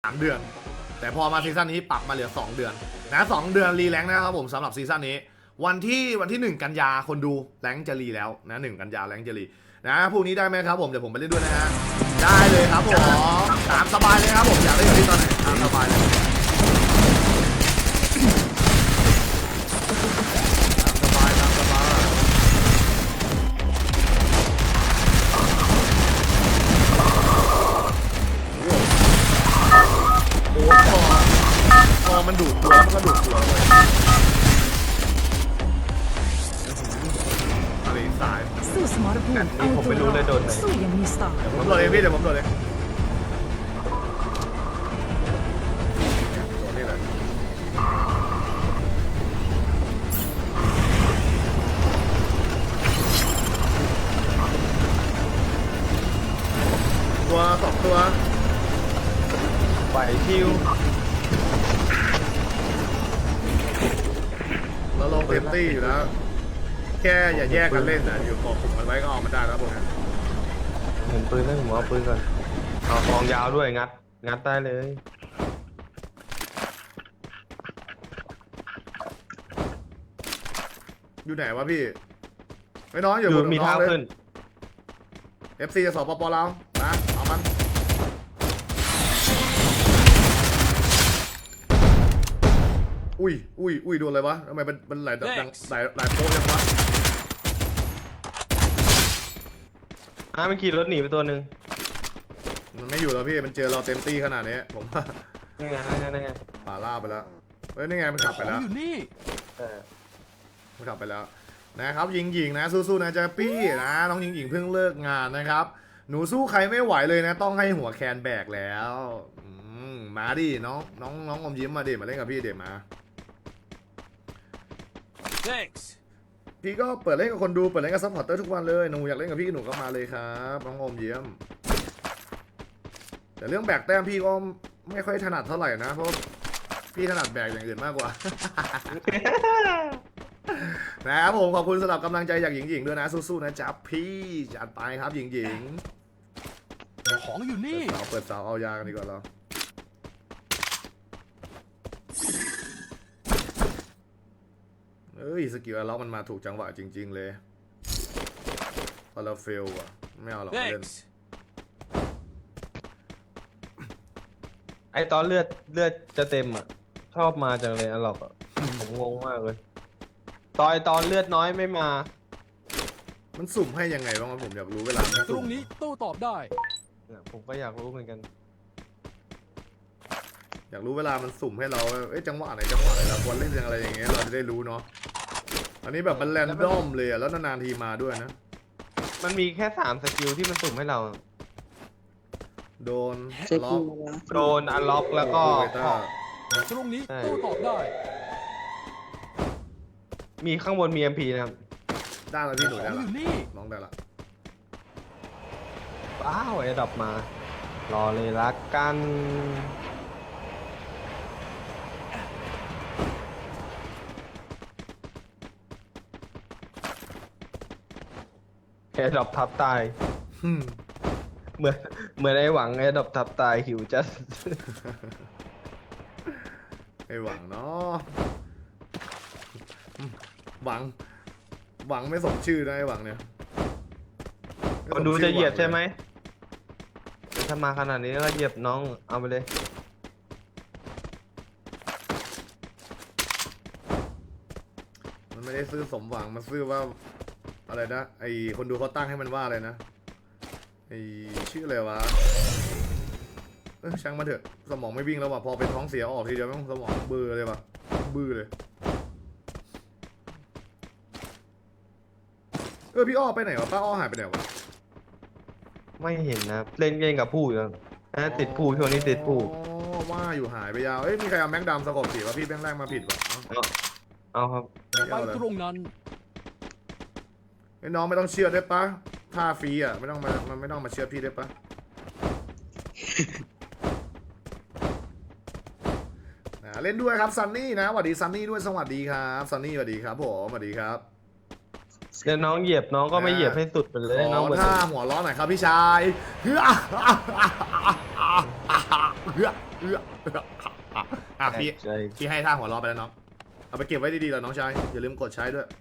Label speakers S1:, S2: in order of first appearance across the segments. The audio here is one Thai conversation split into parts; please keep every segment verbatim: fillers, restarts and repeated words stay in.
S1: สามเดือนแต่พอมาซีซั่นนี้ปรับมาเหลือสองเดือนนะสองเดือนรีแรงนะครับผมสำหรับซีซั่นนี้วันที่วันที่หนึ่งกันยาคนดูแรงจะรีแล้วนะหนึ่งกันยาแรงจะรีนะพรุ่งนี้ได้ไหมครับผมเดี๋ยวผมไปเล่นด้วยนะฮะได้เลยครับผมตามสบายเลยครับผมอยากเล่นกับพี่ตอนไหนตามสบายเลยตามสบายตามสบายโอ้พอพอมันดูดตัวมันก็ดูดตัวเลยอะไรสาย
S2: สู้สมรภูมิเอา
S3: ผม
S2: ตั
S3: ไม่
S2: ว
S3: รู้
S2: ร
S3: เล
S2: อย ด
S3: โดนไหน
S2: สู้อย่างมีสไตล์
S1: เดี๋ยวผมโดนเองพี่เดี๋ยวผมโดนเองโดนนี่แหละตัวสองตัว
S3: ไหวชิว
S1: เราลงเต็มตี้อยู่แล้ว แค่อย่าแยกกันเล่นนะอยู่ขอบคุมมันไว้ก็เอามันได้แล้วพวกนี้
S3: เห็นปืนแล้วผมเอาปืนก่อนเอาทองยาวด้วยงัด งัดได้เลย
S1: อยู่ไหนวะพี่ไม่น้องอยู่
S3: ดู
S1: บน
S3: มี
S1: น้อ
S3: ทาง ง
S1: เลย
S3: ขึ้น
S1: เอฟซีจะสอบปปเรานะเอามันอุ้ยอุ้ยอุ้ยโดนอะไรวะทำไมมันมันไหลดังไหลไหลโป๊ะยังวะ
S3: อ่ะมันขี่รถหนีไปตัวหนึ่ง
S1: มันไม่อยู่แล้วพี่มันเจอเราเต็มตี้ขนาดนี้ผมว่า
S3: นี่ไงนี่ไงนี่ไง
S1: ป่าล่าไปแล้วเฮ้ยนี่ไงมันขับไปแล้ว
S4: อยู่นี่
S3: เออ
S1: มันขับไปแล้วนะครับหญิงหญิงๆนะสู้ๆนะจ๊ะปี้นะน้องหญิงหญิงๆเพิ่งเลิกงานนะครับหนูสู้ใครไม่ไหวเลยนะต้องให้หัวแคนแบกแล้วอืมมาดิน้องน้องน้องอมยิ้มมาดิมาเล่นกับพี่เดี๋ยวมา
S4: thanks
S1: พี่ก็เปิดเล่นกับคนดูเปิดเล่นกับซัพพอร์ตเตอร์ทุกวันเลยหนูอยากเล่นกับพี่หนูก็มาเลยครับน้องอมยิ้มแต่เรื่องแบกแต้มพี่ก็ไม่ค่อยถนัดเท่าไหร่นะเพราะพี่ถนัดแบกอย่างอื่นมากกว่า นะครับผมขอบคุณสำหรับกำลังใจจากหญิงหญิงๆด้วยนะสู้ๆนะจ๊ะพี่จัดไปครับหญิงหญิง
S4: ของอยู่
S1: ๆ
S4: นี่
S1: เปิดเสาเปิดเสาเอายากันดีกว่าเราเอ้ยสกิลล็อกมันมาถูกจังหวะจริงๆเลยพอเราเฟลอ่ะไม่เอาหรอกเล่น
S4: thanks
S3: ไอตอนเลือดเลือดจะเต็มอ่ะ ชอบมาจังเลยอะหรอกอ่ะ ผมงงมากเลย ตอนตอนเลือดน้อยไม่มา
S1: มันสุ่มให้ยังไงบ้างวะผมอยากรู้เวลามัน
S4: ตร
S1: สุ่ม
S4: งนี้โต้ตอบได้
S3: เนี่ยผมก็อยากรู้เหมือนกัน
S1: อยากรู้เวลามันสุ่มให้เราเอ้ยจังหวะไหนจังหวะไหนเราควรเล่นยังอะไรอย่างเงี้ยเราจะได้รู้เนาะอันนี้แบบมันแรนดอมเลยอะแล้วนานๆทีมาด้วยนะ
S3: มันมีแค่สามสกิลที่มันสุ่มให้เรา
S1: โดน
S5: เช็ค
S1: ล็
S5: ดู
S1: อก
S5: มาแล้ว
S3: โดนอันล็อกแล้วก็
S1: เวต้า
S4: ตรงนี้
S3: ใช่
S4: โต้ตอบได้
S3: มีข้างบนมี เอ็ม พี นะครับ
S1: ได้แล้วพี่หนู
S4: ขอ
S1: ได้
S4: งอ
S1: ละ
S4: ยู่นี่
S1: น้องได้ละ
S3: ว้าวไอ้ดับมา รอเลยละกันไอ้ดับทับตาย
S1: ฮึ่ม
S3: เหมือนเหมือนไอ้หวังไอ้ดับทับตายหิวจัด
S1: ไอหวังเนาะหวัง หวังไม่สมชื่อนะไอหวังเนี่ยไส
S3: คน
S1: ม
S3: ดู
S1: ชื่
S3: จะ
S1: อ
S3: เหยียบ
S1: วังล
S3: ใช่ไหมถ้ามาขนาดนี้ก็เหยียบน้องเอาไปเลย
S1: มันไม่ได้ซื้อสมหวังมันซื้อว่าอะไรนะไอคนดูเขาตั้งให้มันว่าอะไรนะไอชื่ออะไรวะเออช่างมันเถอะสมองไม่วิ่งแล้วว่ะพอเป็นท้องเสียออกทีเดียวแม่งสมองเบื่อเลยว่ะบื้อเลยเออพี่อ้อไปไหนวะป้าอ้อหายไปไหนวะ
S3: ไม่เห็นนะ เล่นเล่นกับผู้อยู่นะติดผู้ช่วงนี้ติดผู้
S1: อ๋อว่าอยู่หายไปยาวเอ้ยมีใครเอาแม็กดำสกอบสีวะพี่แม่งแรกมาผิดวะเอ้า
S3: เอาเอาครับ
S1: พี่
S4: ไป
S1: เอาเลย
S4: ตรงนั้น
S1: ไอ้น้องไม่ต้องเชื่อได้ปะท่าฟรีอ่ะไม่ต้องมามันไม่ต้องมาเชื่อพี่ได้ปะ นะเล่นด้วยครับซันนี่นะสวัสดีซันนี่ด้วยสวัสดีครับซันนี่สวัสดีครับผมสวัสดีครับ
S3: เดี๋ยวน้องเหยียบน้องก็ไม่เหยียบให้สุดไปเลย
S1: ข
S3: น้อง
S1: อ
S3: เหมือน
S1: ท่าหัวร้อนหน่อยครับพี่ชายเอื้อเอื้อเอื้ออ่ะพี่
S3: ใช่
S1: พี่ให้ท่าหัวเราะไปแล้วน้องเอาไปเก็บไว้ดีๆแล้วน้องชายอย่าลืมกดใช้ด้วย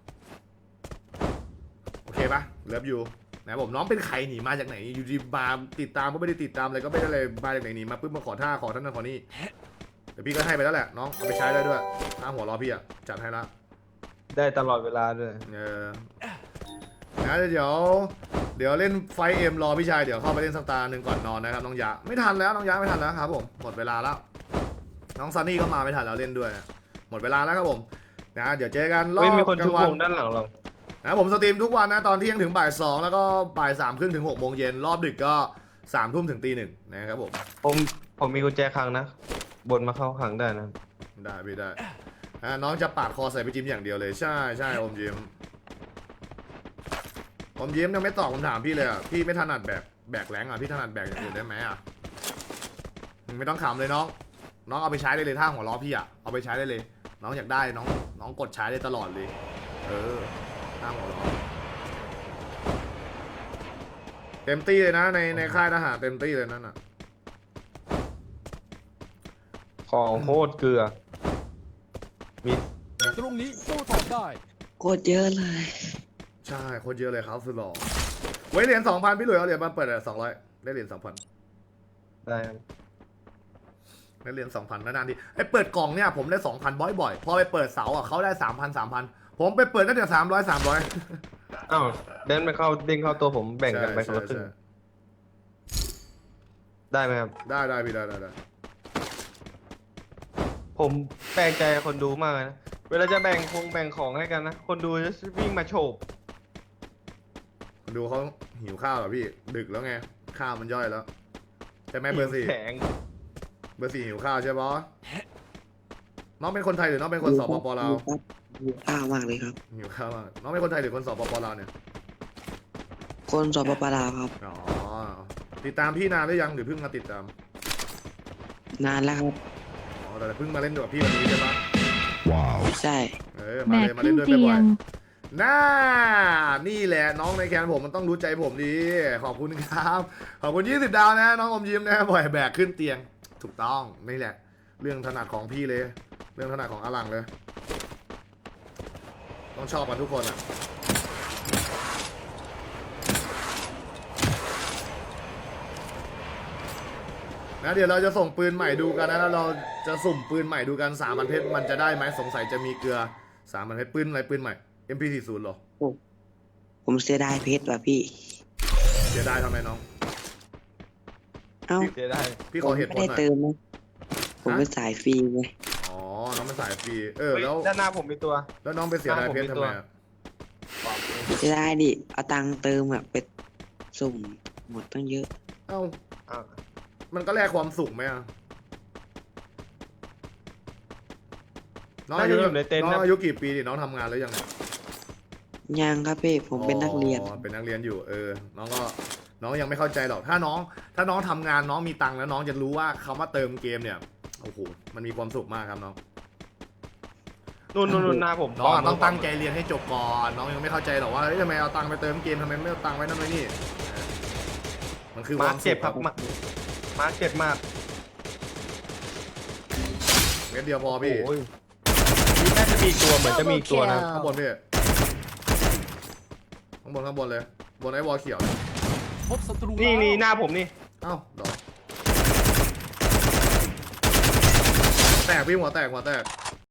S1: โอเคปะเลิฟยูนะผมน้องเป็นใครหนีมาจากไหนอยู่ดีมาติดตามก็ไม่ได้ติดตามอะไรก็ไม่ได้เลยมาจากไหนหนีมาปุ๊บมาขอท่าขอท่านนั้นขอนี่เดี๋ยวพี่ก็ให้ไปแล้วแหละน้องเอาไปใช้ได้ด้วยท่าหัวเราะพี่อะจัดให้ละ
S3: ได้ตลอดเวลาด้วย
S1: เออนะเดี๋ยว เดี๋ยวเล่นไฟเอ็มรอพี่ชายเดี๋ยวเข้าไปเล่นสตาร์หนึ่งก่อนนอนนะครับน้องยะไม่ทันแล้วน้องยะไม่ทันแล้วครับผมหมดเวลาแล้วน้องซันนี่ก็มาไม่ทันแล้วเล่นด้วยหมดเวลาแล้วครับผมนะเดี๋ยวเจอกันรอ
S3: เฮ้ย
S1: บ
S3: มีคน
S1: กลา
S3: ชุบ
S1: งวั
S3: วน งด้านหลังเรา
S1: นะผมสตรีมทุกวันนะตอนเที่ยงถึงบ่ายสองแล้วก็บ่ายสามครึ่งถึงหกโมงเย็นรอบดึกก็สามทุ่มถึงตีหนึ่งนะครับผม
S3: ผมผมมีกุญแจคลังนะบนมาเข้าคลังได้นะ
S1: ได้พี่ได้อ่ะน้องจะปาดคอใส่พี่จิมอย่างเดียวเลยใช่ใช่อมยิ้มอมยิ้มยังไม่ตอบคำถามพี่เลยอ่ะพี่ไม่ถนัดแบกแบกแรงอ่ะพี่ถนัดแบกอย่างอื่นได้ไหมอ่ะไม่ต้องขำเลยน้องน้องเอาไปใช้ได้เลยท่าหัวล้อพี่อ่ะเอาไปใช้ได้เลย น้องอยากได้น้องน้องกดใช้ได้ตลอดเลย เออท่าหัวล้อเต็มที่เลยนะในในค่ายทหารเต็มที่เลยนั่นน่ะ
S3: ของโคตรเกลือ มี
S4: ตรงนี้โต้ตอบได้
S5: โคตรเยอะเลย
S1: ใช่คนเยอะเลยครับสุดหล่อไว้เหรียญสองพันพี่หลุยเอาเหรียญมาเปิดสองร้อยได้เหรียญสองพัน
S3: ได้ครับ
S1: ได้เหรียญสองพันนานๆทีไอ้เปิดกล่องเนี่ยผมได้สองพันบ่อยๆพอไปเปิดเสาอ่ะเขาได้สามพันสามพันผมไปเปิดตั้งแต่สามร้อยสามร้อย
S3: อ้าวเดินไปเข้าเด้งเข้าตัวผมแบ่งกันไปคนละครึ่งได้ไหมครับ
S1: ได้ได้พี่ได้ได้ได้
S3: ผมแปลกใจคนดูมากเลยนะ เวลาจะแบ่งคงแบ่งของให้กันนะ คนดูจะวิ่งมาโฉบ
S1: ดูเขาหิวข้าวเหรอพี่ดึกแล้วไงข้าวมันย่อยแล้วใช่ไหมเบอร์สี่
S3: แข็ง
S1: เบอร์สี่หิวข้าวใช่ปะน้องเป็นคนไทยหรือน้องเป็นคนสปปลาว
S5: หิวข้าวมากเลยครับ
S1: หิวข้าวมากน้องเป็นคนไทยหรือคนสปปลาวเนี่ย
S5: คนสปปลาวครับ
S1: อ๋อติดตามพี่นานหรือยังหรือเพิ่งมาติดตาม
S5: นานแล้วครับ
S1: อ๋อแต่เพิ่งมาเล่นกับพี่วันนี้ใช่ปะ
S5: ใช่
S1: เออ
S6: แบ
S1: มาก เลยมา
S6: ขึ้
S1: เล่
S6: น
S1: นด้วย
S6: เตี
S1: บ่
S6: ย
S1: อย
S6: ง
S1: ๆน่านี่แหละน้องในแคนผมมันต้องรู้ใจผมดีขอบคุณครับขอบคุณยี่สิบดาวนะน้องอมยิ้มนะบ่อยแบกขึ้นเตียงถูกต้องนี่แหละ เรื่องถนัดของพี่เลย เรื่องถนัดของอลังเลย ต้องชอบกันทุกคนอ่ะนะเดี๋ยวเราจะส่งปืนใหม่ดูกันนะแล้วเราจะสุ่มปืนใหม่ดูกันสามพันเพชรมันจะได้ไหมสงสัยจะมีเกลือสามพันเพชรปืนอะไรปืนใหม่ เอ็ม พี สี่สิบ หรอ
S5: ผมเสียดายเพชรว่ะพี่
S1: เสียดายทำไมน้อง
S5: เอ้า
S3: เสียได้
S1: พี่ขอเหตุผ
S5: ไม่
S1: ลหน่อย
S5: ได้เติมนะผมเป็นสายฟรีไง
S1: อ๋อ น้องเป็นสายฟรี เออ แล้ว
S3: ด้านหน้าผมมีตัว
S1: แล้วน้องไปเสียดายเพชรทำไมอะ
S5: เสียดายดิเอาตังค์เติมอะไปสุ่มหมดตั้งเยอะ
S1: เอ้า
S3: อ่ะ
S1: มันก็แลกความสุขไหมอะน้อง
S3: น่า
S1: อายุ
S3: จะอยู่ในเต็นท์
S1: น้อง
S3: นะ
S1: อายุกี่ปีดิน้องทำงานแล้วยังเนี่ย
S5: ยังครับพี่ผมเป็นนักเรียน
S1: อ๋อเป็นนักเรียนอยู่ เออ น้องก็ น้องยังไม่เข้าใจหรอก ถ้าน้อง ถ้าน้องทำงานน้องมีตังค์แล้วน้องจะรู้ว่าคำว่าเติมเกมเนี่ย โอ้โห มันมีความสุขมากครับน้อง
S3: นู่นนู่นนู่นหน้าผม
S1: น้องอะต้องตั้งใจเรียนให้จบก่อน น้องยังไม่เข้าใจหรอกว่าเฮ้ยทำไมเอาตังค์ไปเติมเกมทำไมไม่เอาตังค์ไว้นั่นไว้นี่ มันคือคาม
S3: มาวร์
S1: สุ
S3: เก็บ
S1: ข
S3: ครับมามาร์เก็บมาก
S1: เม็ดเดียวพอพี่
S3: โอ้ยน่าจะมีอีกตัวเหมือนจะมีอีกตัวนะ
S1: ข้างบนพี่ ข้างบนข้างบนเลย บนไอ้วอลเขียว
S4: พบศัตรู
S3: นี่
S4: แล้ว
S3: นี่หน้าผมนี่
S1: เอ้าดอกแตกพี่หัวแตกหัวแตก